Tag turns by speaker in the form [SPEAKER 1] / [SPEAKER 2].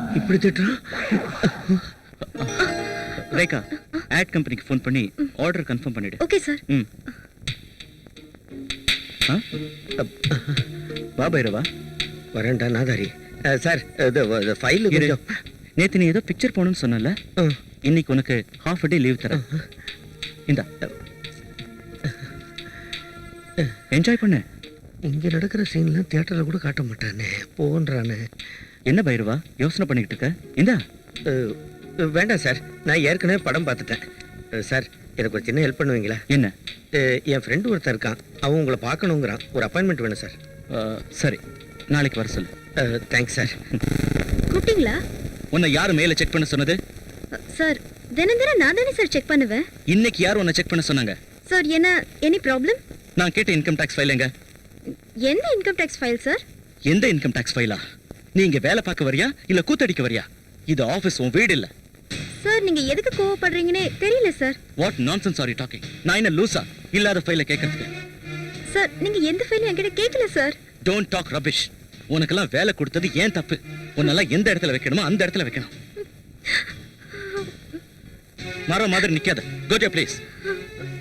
[SPEAKER 1] இப்படி திட்டுறான்.
[SPEAKER 2] ரேகா, ஆட் கம்பெனிக்கு ஃபோன் பண்ணி ஆர்டர் கன்ஃபார்ம் பண்ணிடு.
[SPEAKER 3] Okay sir.
[SPEAKER 2] ம். வா பைரவா.
[SPEAKER 1] வரேன்டா நாதாரி. சார் இது ஃபைல் கொஞ்சம்.
[SPEAKER 2] நேத்து நீ ஏதோ பிக்சர் போகணும்னு சொன்னல, இன்னைக்கு உனக்கு ஹாஃப் டே லீவ் தரேன். இந்தா, என்ஜாய் பண்ணு.
[SPEAKER 1] இங்க நடக்கிற சீன்லாம் தியேட்டர்ல கூட காட்ட மாட்டானே, போன்றானே.
[SPEAKER 2] என்ன பைரவா யோசனை பண்ணிக்கிட்டு இருக்க? இந்தா.
[SPEAKER 1] வேண்டாம் சார், நான் ஏற்கனவே படம் பார்த்துட்டேன். சார், எனக்கு ஒரு சின்ன ஹெல்ப் பண்ணுவீங்களா?
[SPEAKER 2] என்ன?
[SPEAKER 1] என் ஃப்ரெண்டு ஒருத்தர் இருக்கான், அவன் உங்களை பார்க்கணுங்கிறான். ஒரு அப்பாயின்மெண்ட் வேணும் சார்.
[SPEAKER 2] சரி, நாளைக்கு வர சொல்லு.
[SPEAKER 1] Thanks sir.
[SPEAKER 3] கூப்பிட்டீங்களா?
[SPEAKER 2] உன்னை யாரு மேல செக் பண்ண சொன்னது?
[SPEAKER 3] சார், தினம் தினம் நான் தானே சார் செக் பண்ணுவேன்.
[SPEAKER 2] இன்னைக்கு யார் உன்னை செக் பண்ண சொன்னாங்க?
[SPEAKER 3] சார், என்ன எனி ப்ராப்ளம்?
[SPEAKER 2] நான் கேட்ட இன்கம் டாக்ஸ் ஃபைல் எங்க?
[SPEAKER 3] எந்த இன்கம் டாக்ஸ் ஃபைல் சார்?
[SPEAKER 2] எந்த இன்கம் டாக்ஸ் ஃபைலா? நீ இங்க வேலை பார்க்க வரியா இல்ல கூத்தடிக்க வரியா? இது ஆபீஸ், உன் வீடு இல்ல.
[SPEAKER 3] சார், நீங்க எதுக்கு கோவப்படுறீங்கன்னே தெரியல sir.
[SPEAKER 2] What nonsense are you talking? நான் என்ன லூசா இல்லாத ஃபைலை கேட்கறதுக்கு?
[SPEAKER 3] சார், நீங்க எந்த ஃபைலும் என்கிட்ட கேட்கல சார்.
[SPEAKER 2] Don't talk rubbish. உனக்கெல்லாம் வேலை கொடுத்தது ஏன் தப்பு? உன்னெல்லாம் எந்த இடத்துல வைக்கணுமோ அந்த இடத்துல வைக்கணும். மரம் மாதிரி நிக்காத. Go to please.